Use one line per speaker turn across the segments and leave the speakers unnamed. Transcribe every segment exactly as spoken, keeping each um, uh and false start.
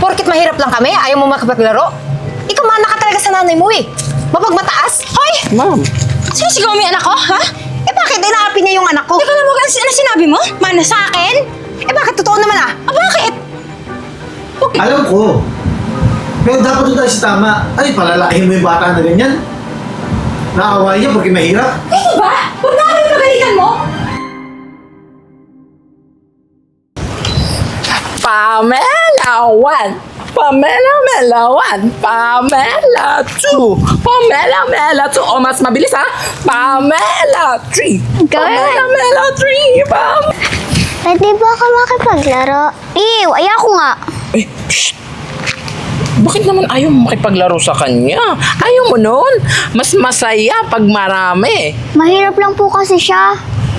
Porkit mahirap lang kami, ayaw mo makapaglaro? Ikaw mana ka talaga sa nanay mo eh. Mapagmataas? Hoy!
Ma'am.
Sinisigaw mo yung anak ko, ha?
Eh bakit inaapi niya yung anak ko?
Teka lang mo, ano ano sinabi mo? Mana sa akin?
Eh bakit totoo naman ah?
Ah, bakit?
Alam ko. Pero dapat doon tayo sa tama. Ay, palalakihin mo yung bata na ganyan. Naaway niya porque mahirap.
Eh, ba? Huwag na kami pagalitan mo.
Pamela one. Pamela Mela one. Pamela two. Pamela Mela two. O, mas mabilis ha. Pamela three. Pamela Mela three. Pam.
Pwede ba ako makipaglaro? Ew, ayoko nga.
Eh, shh. Bakit naman ayaw mo makipaglaro sa kanya? Ayaw mo nun? Mas masaya pag marami.
Mahirap lang po kasi siya.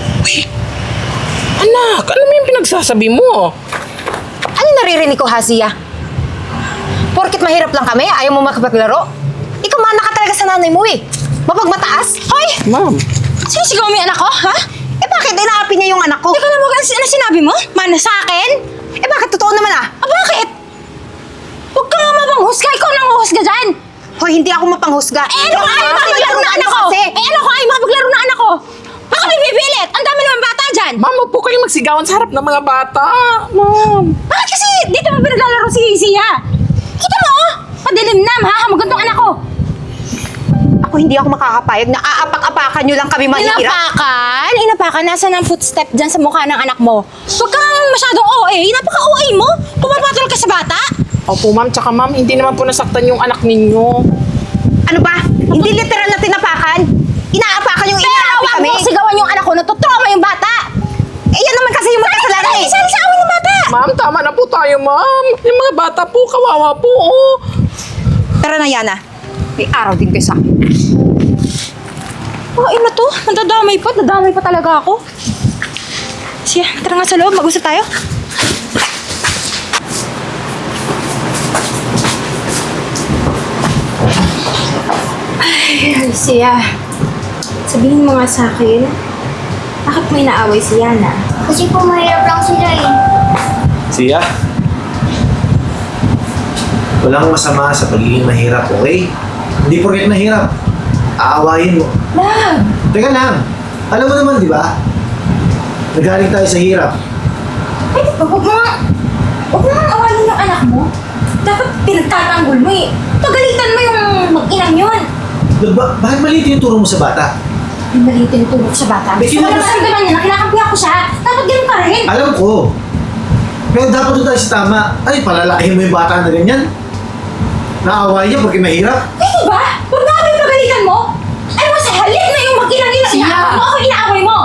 Anak, ano mo yung pinagsasabi mo?
Ano naririnig ko, Hasia? Porkit mahirap lang kami, ayaw mo makapaglaro? Ikaw mana ka talaga sa nanay mo eh. Mapagmataas? Hoy!
Ma'am.
Sinisigaw mo yung anak ko, ha?
Eh bakit inaapi niya yung anak ko?
Teka lang mo, ano ano sinabi mo? Mana sa akin?
Eh bakit totoo naman ah?
Ah, bakit? Huwag ka nga mapanghusga. Ikaw nang huhusga dyan.
Hoy, hindi ako mapanghusga.
Eh, ano ka ayaw makapaglaro na anak ko?
Kasi.
Eh, ano ka ayaw makapaglaro na anak ko? Baka may pipilit. Ang dami naman bata dyan.
Ma'am, huwag po kayong magsigawan sa harap ng mga bata. Ma'am.
Bakit kasi dito mo pinaglalaro si Sia? Kita mo, oh. Padilim na, mahahamagod tong anak ko.
Ako hindi ako makakapayag na aapak-apakan nyo lang kami mahirap.
Inapakan? Inapakan? Nasaan ang footstep dyan sa mukha ng anak mo? Huwag kang masyadong O A. Napaka-O A mo. Pumapatol ka sa bata.
Opo, ma'am. Tsaka, ma'am, hindi naman po nasaktan yung anak ninyo.
Ano ba? Hindi literal na tinapakan. Inaapakan yung
Pero
inaapi
wag
kami.
mo sigawan yung anak ko. Natutrauma yung bata.
Eh yan naman kasi yung magkasalanan eh.
Isali sa awin ng bata.
Ma'am, tama na po tayo, ma'am. Yung mga bata po, kawawa po, oh.
Tara na, Yana. May araw din kayo sa akin.
Oh, ina to. Nadadamay pa. Nadamay pa talaga ako. Siya, tara nga sa loob. Mag-usap tayo. Ay, Alicia. Sabihin mo nga sa akin, bakit may naaway si Yana?
Kasi po mahirap lang sila eh.
Siya? Walang masama sa pagiging mahirap, okay? Hindi porket mahirap. Aawayin mo.
Love!
Teka lang. Alam mo naman, di ba? Nagaling tayo sa hirap.
Ay, di ba? Huwag mo nga, huwag mo nga awayin yung anak mo. Dapat pinagtatanggol mo eh. Pagalitan mo yung mag-inang yun.
Ba bakit maliit yung turo mo sa bata?
Yung maliit yung tulog sa bata.
Eh,
Gusto ko
kinabas-
na maramdaman niya na kinakampi ako siya. Dapat ganun ka rin.
Alam ko. Pero dapat doon tayo sa tama. Ay, palalakihin mo yung bata na ganyan. Naaway niya porque mahirap.
Pwede ba? Huwag na kami pagalitan mo. Ay mo sa halip na yung mag-inang yun.
Siya.
Inaaway mo ako, inaaway mo.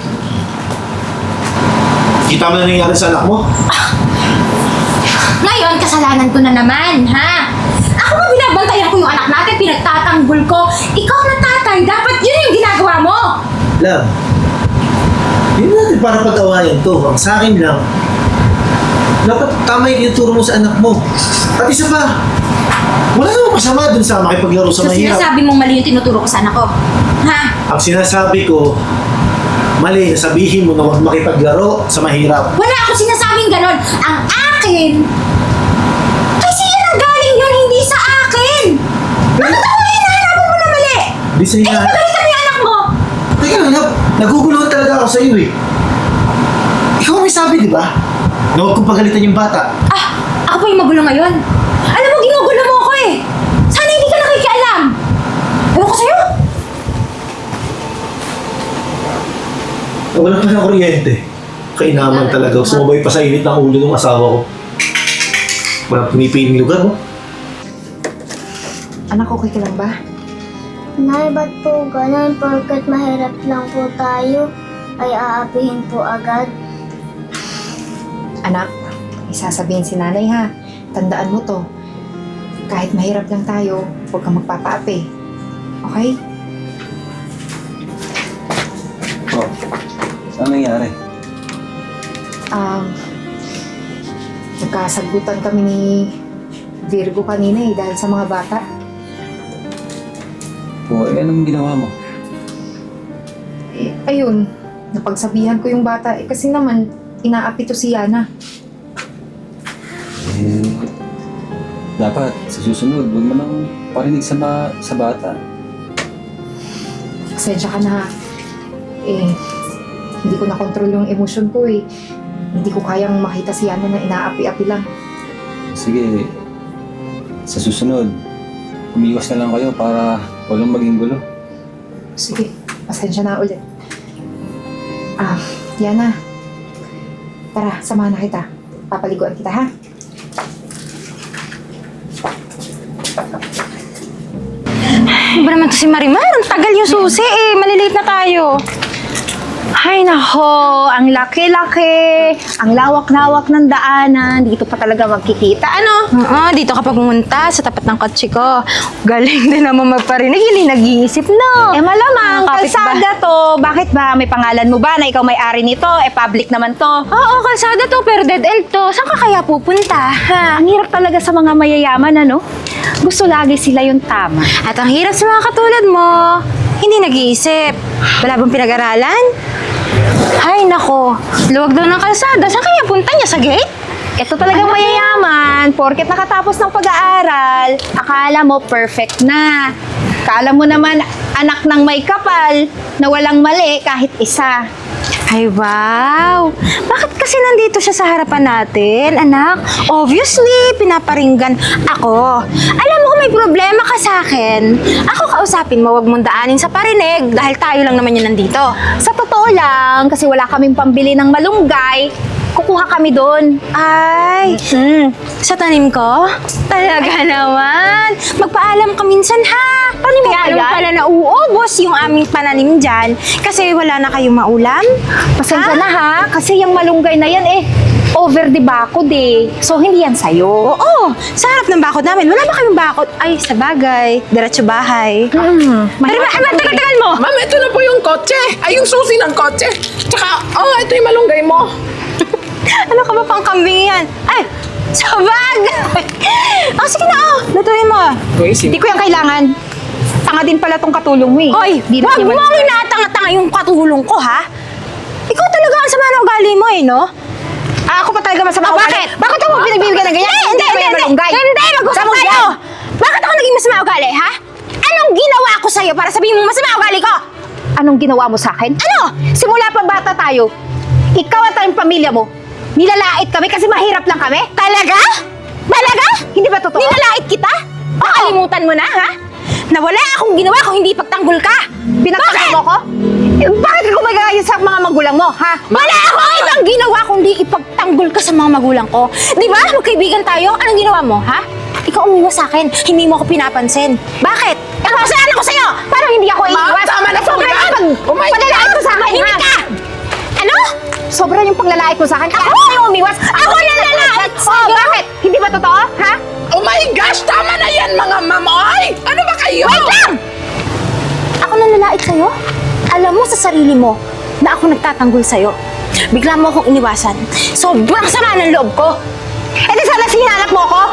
Kita mo na nangyayari sa anak mo?
Ngayon, kasalanan ko na naman, ha? Ako nga binabantayan ko yung anak natin, pinagtatanggol ko. Ikaw na tatay, dapat yun yung ginagawa mo.
Love. Hindi natin para pag-awayan to. Ang sa akin lang, dapat tama yung ituro mo sa anak mo. At isa pa, wala namang masama dun sa makipaglaro sa
So,
mahirap.
sinasabi mong mali yung tinuturo ko sa anak ko. Ha?
Ang sinasabi ko, mali na sabihin mo na huwag makipaglaro sa mahirap.
Wala ako sinasabing ganon. Ang akin, kasi yun ang galing yun, hindi sa akin. Bakit ako na hinahanapan mo na mali?
Di sa
Eh,
ina...
pagalitan mo yung anak mo.
Teka lang, love. Naguguluhan talaga ako sa iyo eh. Ikaw ang may sabi, di ba? Na huwag kong pagalitan yung bata.
Ah, ako pa yung magulo ngayon. Alam mo, ginugulo mo ako eh. Sana hindi ka nakikialam. Ewan ko sa'yo.
Wala pa na kuryente. Kainaman talaga. Sumabay pa sa init ng ulo ng asawa ko. Walang pinipiling lugar, oh.
Anak, okay ka lang ba?
Nay, ba't po ganun? Porkat mahirap lang po tayo, ay aapihin po agad.
Anak, isasabihin si nanay ha. Tandaan mo to. Kahit mahirap lang tayo, huwag kang magpapaapi. Okay?
Oh, saan nangyari?
Um, nagkasagutan kami ni Virgo kanina eh, dahil sa mga bata.
O, eh, anong ginawa mo?
Eh, ayun, napagsabihan ko yung bata eh, kasi naman, inaapi to si Yana.
Eh, dapat sa susunod, huwag mo nang parinig sa, ma- sa bata.
Pasensya ka na. Eh, hindi ko na-control yung emosyon ko eh. Hindi ko kayang makita si Yana na inaapi-api lang.
Sige, sa susunod, umiwas na lang kayo para walang maging gulo.
Sige, pasensya na ulit. Ah, Yana. Tara, samahan na kita. Papaliguan kita, ha?
Ano ba naman to si Marimar? Ang tagal yung susi eh. Malilate na tayo. Ay nako, ang laki-laki, ang lawak-lawak ng daanan, dito pa talaga magkikita, ano? Oo, dito ka pa pumunta sa tapat ng kotse ko. Galing din naman magparinig, hindi nag-iisip, no? Eh malamang,
Mga kapit
kalsada to. Bakit ba? May pangalan mo ba na ikaw may-ari nito? Eh public naman to. Oo, kalsada to, pero dead end to. Saan ka kaya pupunta? Ha? Ang hirap talaga sa mga mayayaman, ano? Gusto lagi sila yung tama. At ang hirap sa mga katulad mo, hindi nag-iisip. Wala bang pinag-aralan? Ay, nako. Luwag daw ng kalsada. Saan kaya punta niya? Sa gate? Ito talagang mayayaman. Porket nakatapos ng pag-aaral, akala mo perfect na. Akala mo naman anak ng may kapal na walang mali kahit isa. Ay, wow! Bakit kasi nandito siya sa harapan natin, anak? Obviously, pinaparinggan ako. Alam mo kung may problema ka sa akin, ako kausapin mo, wag mong daanin sa parinig dahil tayo lang naman yun nandito.
Sa totoo lang, kasi wala kaming pambili ng malunggay, kukuha kami doon.
Ay,
Hmm.
sa tanim ko? Talaga naman. Magpaalam ka minsan ha. Paano mo
Kaya
alam
yan?
pala na uubos yung aming pananim dyan kasi wala na kayong maulam?
Pasensya
Ha?
na ha, kasi yung malunggay na yan eh, over the bakod eh. So, hindi yan sa'yo.
Oo, sa harap ng bakod namin. Wala ba kayong bakod? Ay, sa bagay. Diretso bahay.
Hmm.
Pero ba, ama, tagal-tagal mo!
Ma'am, ito na po yung kotse. Ay, yung susi ng kotse. Tsaka, oh, ito yung malunggay mo.
Ano ka ba pang kambing yan? Ay, sa bagay! Oh, sige na oh, lutuin mo.
Uy, si...
Hindi ko yan kailangan. Tanga din pala tong katulong mo eh.
Hoy,
Di
wag
naman
mo
yan
ang
malunggay.
inatanga-tanga yung katulong ko, ha? Ikaw talaga ang sama ng ugali mo, eh, no?
Ah, ako pa talaga masama.
Ah,
ugali.
bakit?
Bakit ako pinagbibigyan ng ganyan?
Hindi, hindi,
naman
hindi,
yan
hindi.
malunggay.
Hindi, mag-usap
Sama mo
tayo.
yan.
Bakit ako naging masama ugali, ha? Anong ginawa ko sa'yo para sabihin mo masama ugali ko?
Anong ginawa mo sa akin?
Ano?
Simula pa bata tayo, ikaw at ang pamilya mo, nilalait kami kasi mahirap lang kami?
Talaga? Talaga?
Hindi ba totoo?
Nilalait kita? Nakalimutan mo na, ha? Na wala akong ginawa kung hindi pagtanggol ka.
Pinagtanggol mo ko? Eh, bakit ka gumagaya sa mga magulang mo, ha?
Wala akong ibang ginawa kundi ipagtanggol ka sa mga magulang ko. Di ba? Magkaibigan tayo. Anong ginawa mo, ha? Ikaw umiwas sa akin. Hindi mo ako pinapansin. Bakit? Ano kasalanan ko sa'yo?
Parang hindi ako
Ma'am,
iiwas.
tama na po
Sobra
yan.
yung pag-
Oh my
paglalait mo sa akin,
Hindi
ha?
ka! Ano?
Sobra yung paglalait mo sa akin. Ako yung umiwas.
Ako nalalait
Oh,
sa'yo?
bakit? Hindi ba totoo, ha?
Oh my gosh, tama na yan, mga ma'am. Ay, ano ba kayo?
Wait lang! Ako nalalait sa'yo? Alam mo sa sarili mo na ako nagtatanggol sa'yo. Bigla mo akong iniwasan. Sobrang sama ng loob ko.
Eh di sana sinanap mo ko?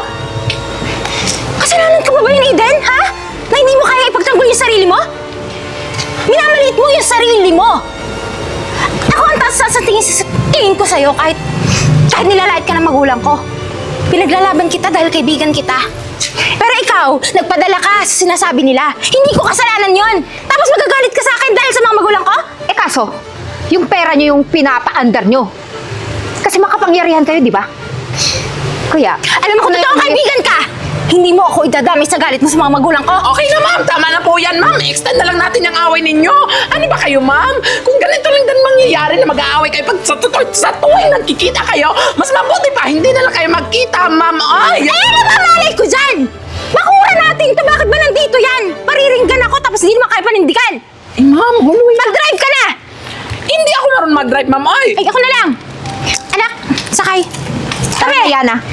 Kasalanan ka ba ba yun, Eden? Ha? Na hindi mo kaya ipagtanggol yung sarili mo? Minamaliit mo yung sarili mo. Ako ang taas sa tingin, sa tingin ko sa'yo kahit, kahit nilalait ka ng magulang ko. Pinaglalaban kita dahil kaibigan kita. Pero ikaw, nagpadala ka sa sinasabi nila. Hindi ko kasalanan yon. Tapos magagalit ka sa akin dahil sa mga magulang ko?
Eh kaso, yung pera nyo yung pinapa-under nyo. Kasi makapangyarihan kayo, di ba? Kuya,
Alam mo kung totoong kaibigan ka, hindi mo ako idadamay sa galit mo sa mga magulang ko.
Okay na, ma'am. Tama na po yan, ma'am. Extend na lang natin yung away ninyo. Ano ba kayo, ma'am? Kung ganito lang din mangyayari na mag-aaway kayo pag sa, tutoy, sa tuwing nagkikita kayo, mas mabuti pa, hindi na lang kayo magkita, ma'am. Ay!
Eh, ano ba malay ko dyan? Makura natin ito. Bakit ba nandito yan? Pariringgan ako tapos hindi naman kaya panindigan.
Eh, ma'am, huluy.
Mag-drive ka na!
Hindi ako marunong mag-drive, ma'am. Ay!
Ay, ako na lang. Anak, sakay.
tara kaya na.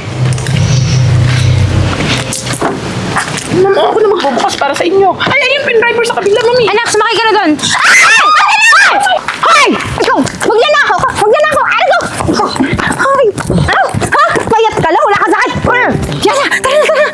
Ma'am, ako na magbubukas para sa inyo. Ay, ayun, pin-driver sa kabila, mami.
Anak, sumakay ka na doon. Ay! Ay!
Hoy! Ikaw! Magnanakaw ka! Magnanakaw! Ano? Ikaw! Hoy! Ano? Ha? Payat ka lang! Wala ka sakit! Brr! Yan na! Tara na! Tara na!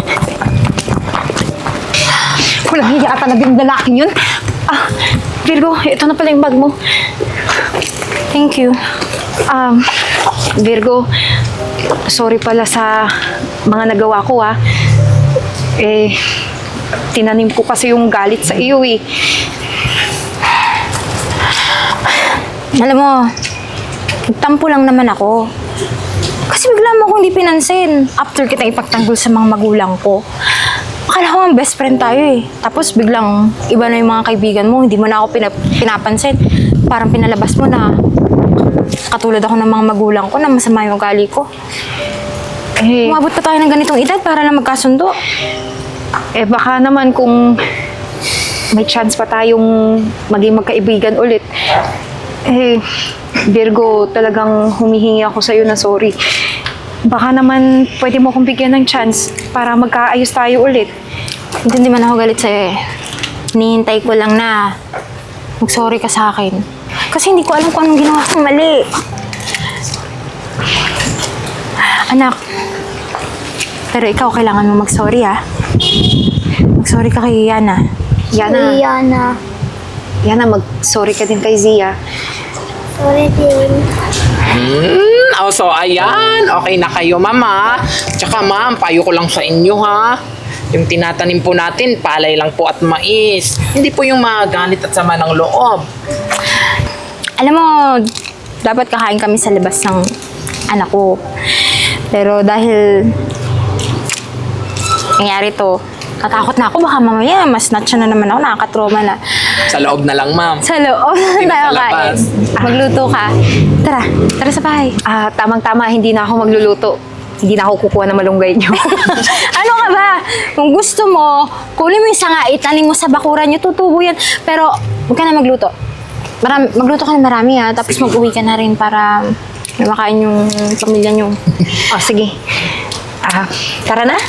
Walang hiya talaga yung lalaking yun. Ah, Virgo, ito na pala yung bag mo.
Thank you.
Um, Virgo,
sorry pala sa mga nagawa ko ah. Eh, tinanim ko kasi yung galit sa iyo eh.
Alam mo, nagtampo lang naman ako. Kasi bigla mo akong di pinansin after kita ipagtanggol sa mga magulang ko. Akala ko ang best friend tayo eh. Tapos biglang iba na yung mga kaibigan mo, hindi mo na ako pinap- pinapansin. Parang pinalabas mo na katulad ako ng mga magulang ko na masama yung ugali ko.
Eh,
Umabot pa tayo ng ganitong edad para lang magkasundo.
eh baka naman kung may chance pa tayong maging magkaibigan ulit. Eh, Virgo, talagang humihingi ako sa'yo na sorry. Baka naman pwede mo akong bigyan ng chance para magkaayos tayo ulit.
Hindi man ako galit sa'yo eh. Hinihintay ko lang na mag-sorry ka sa akin. Kasi hindi ko alam kung anong ginawa kong mali. Anak, pero ikaw kailangan mo mag-sorry ah. Mag-sorry ka kay Yana.
Yana,
Yana.
Yana, mag-sorry ka din kay Zia.
Sorry din.
Hmm, oh, so ayan, okay na kayo mama. Tsaka ma'am, payo ko lang sa inyo ha. Yung tinatanim po natin, palay lang po at mais. Hindi po yung mga galit at sama ng loob.
Alam mo, dapat kakain kami sa labas ng anak ko. Pero dahil nangyari to, natakot na ako. Baka mamaya, mas snatch na naman ako, nakakatroma na.
Sa loob na lang ma'am.
Sa loob
Hindi na
tayo
sa
kain.
labas.
Magluto ka. Tara, tara sa bahay.
Ah, tamang-tama, hindi na ako magluluto. Hindi na ako kukuha ng malunggay niyo.
Ano ka ba? Kung gusto mo, kunin mo yung sanga, itanim mo sa bakuran nyo, tutubo yan. Pero, huwag ka na magluto. Marami, magluto ka na marami ha, tapos mag-uwi ka na rin para may makain yung pamilya nyo.
Oh, sige. Ah, tara na.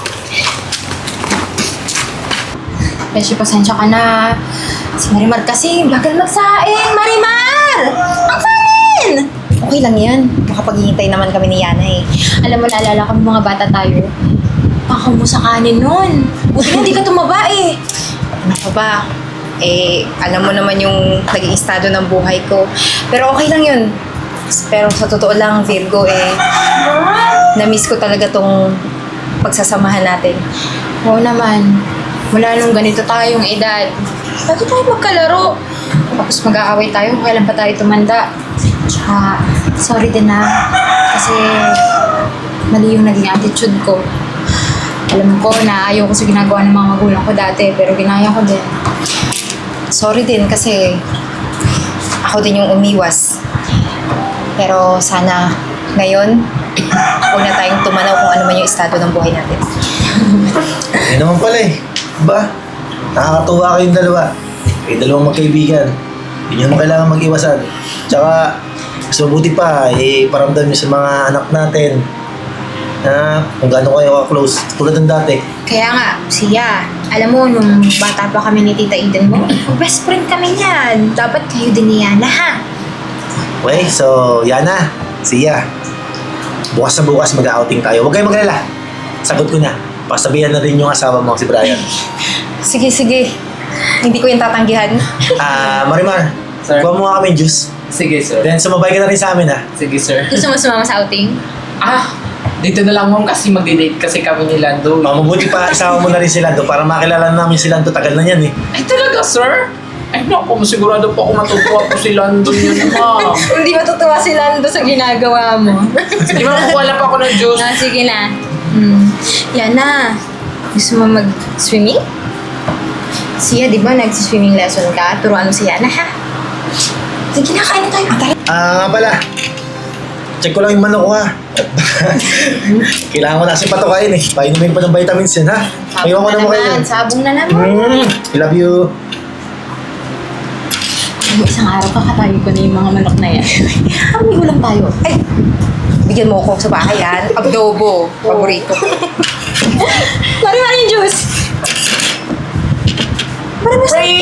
Beshi, pasensya ka na. Si Marimar kasi, bagal magsaing. Marimar! Ang kanin! Okay lang yan. Makapaghihintay naman kami ni Yana eh. Alam mo, naalala ko ng mga bata tayo. Pakaw mo sa kanin nun. Buti na hindi ka tumaba eh. Ano ka ba? Eh, alam mo naman yung naging estado ng buhay ko. Pero okay lang yun. Pero sa totoo lang, Virgo, eh, na-miss ko talaga tong pagsasamahan natin. Oo naman. Mula nung ganito tayong edad, lagi tayo magkalaro. Tapos mag-aaway tayo kung kailan pa tayo tumanda. Tsaka, sorry din na. Kasi, mali yung naging attitude ko. Alam ko na ayaw ko sa ginagawa ng mga magulang ko dati, pero ginaya ko din. Sorry din kasi ako din yung umiwas. Pero sana ngayon, huwag na tayong tumanaw kung ano man yung estado ng buhay natin.
Yan naman pala eh. Ba? Nakakatuwa kayong dalawa. Kayong dalawang magkaibigan. Hindi nyo naman kailangan mag-iwasan. Tsaka, mas mabuti pa, eh, paramdam nyo sa mga anak natin na kung gaano kayo ka-close. Tulad ng dati.
Kaya nga, siya, alam mo, nung bata pa kami ni Tita Eden mo, best friend kami niyan. Dapat kayo din ni Yana, ha?
Okay, so, Yana, siya. Bukas na bukas mag-outing tayo. Huwag kayong maglala. Sagot ko na. Pasabihan na rin yung asawa mo, si Brian.
Sige, sige. Hindi ko yung tatanggihan.
Ah, Marimar,
Sir.
kuha mo nga kami juice.
Sige sir.
Then, sumabay ka na rin sa amin, ha?
Sige sir.
Gusto mo sumama sa outing?
Ah, dito na lang ma'am kasi mag-date kasi kami ni Lando.
Oh, mabuti pa, isama mo na rin si Lando para makilala namin si Lando. Tagal na yan, eh.
Ay talaga sir? Ay naku, masigurado po ako matutuwa po si Lando yun ma'am.
Hindi matutuwa si Lando sa ginagawa mo.
Sige ma'am, kukuha lang pa ako ng juice.
Ah, sige na. Hmm. Yana, gusto mo mag-swimming? Siya, di ba, nag-swimming lesson ka? Turuan mo si Yana, ha? Sige na, kain na tayo. Ah, tara.
Ah, nga pala. Check ko lang yung manok ko, ha? Kailangan ko na kasi patukain, eh. Painumin pa ng vitamins yan, ha? Ayaw ko na mo kayo.
Sabong na naman.
Mm, I love you.
Isang araw kakatayo ko na yung mga manok na yan. Ang may ulam tayo. Ay! Bigyan mo ako sa bahay yan. Adobo. Paborito ko. Mari-mari yung juice. Mari-mari.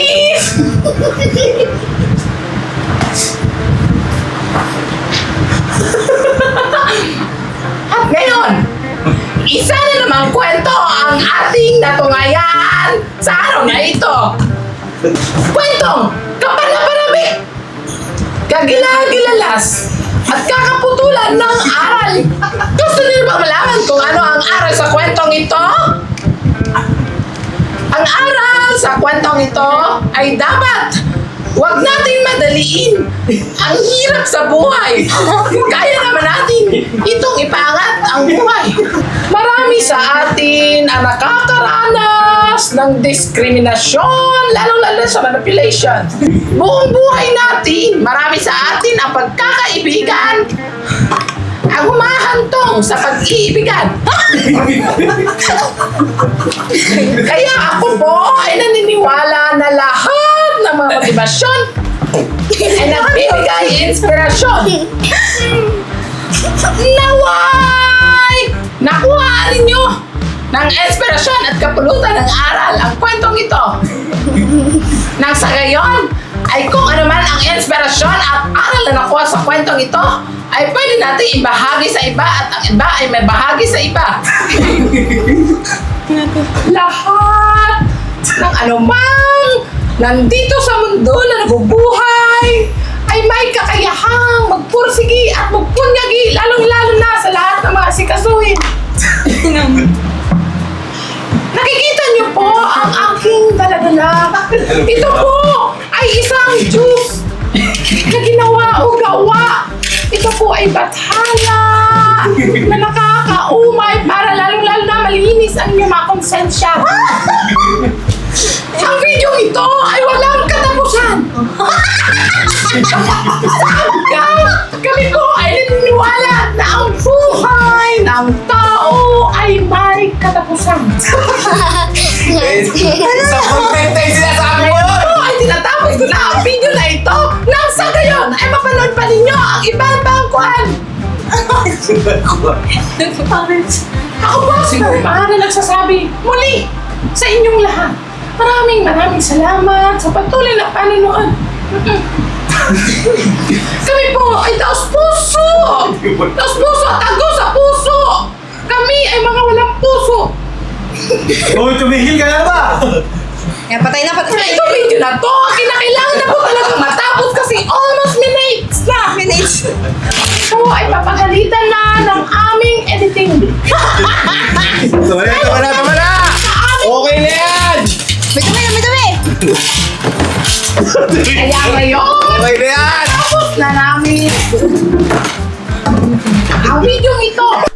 At ngayon, isa na namang kwento ang ating natungayan sa araw na ito. Kwentong kapanapanabik, kagilagilalas, at kakaputulan ng aral. Gusto niyo bang malaman kung ano ang aral sa kwentong ito? Ang aral sa kwentong ito ay dapat huwag nating madaliin ang hirap sa buhay. Kaya naman natin itong ipangat ang buhay. Marami sa atin ang nakakaranas ng diskriminasyon, lalo-lalo sa manipulation. Buong buhay natin, marami sa atin ang pagkakaibigan ang humahantong sa pag-iibigan. Kaya ako po ay naniniwala na lahat ng mga motibasyon ay nagbibigay inspirasyon. Naway! Nakuha ninyo ng inspirasyon at kapulutan ng aral ang kwentong ito. Nang sa gayon, ay kung ano man ang inspirasyon at aral na nakuha sa kwentong ito, ay pwede natin ibahagi sa iba at ang iba ay may bahagi sa iba. Lahat ng anumang nandito sa mundo na nabubuhay ay may kakayahang magpursigi at magpunyagi, lalong-lalo na sa lahat ng mga sikasuhin. Nakikita niyo po ang aking daladala. Ito po ay isang juice na ginawa o gawa. Ito po ay bathala na nakakaumay para lalong-lalo na malinis ang inyong mga konsensya. Ang video ito ay walang katapusan. Kami po ay naniniwala na ang buhay ng tao ay may katapusan.
Sa content ay sinasabi mo!
Kaya po ay tinatapos ko na ang video na ito nang sa gayon ay mapanood pa ninyo ang ibang bangkuan. Ako po si Mama na nagsasabi muli sa inyong lahat. Maraming maraming salamat sa patuloy na panonood. Kami po ay taos puso! Taos puso at tago sa puso! Kami ay mga walang puso!
Hoy, tumigil ka na ba?
Kaya patay na, patay na.
Ito video na to, ang kinakailangan na po talagang matapos kasi almost minutes na!
Minutes.
Ito ay papagalitan na ng aming editing.
Tama na, tama na, tama na! Okay na yan!
May dumi, may dumi.
Kaya ngayon,
Okay na yan!
tapos na namin ang video ito.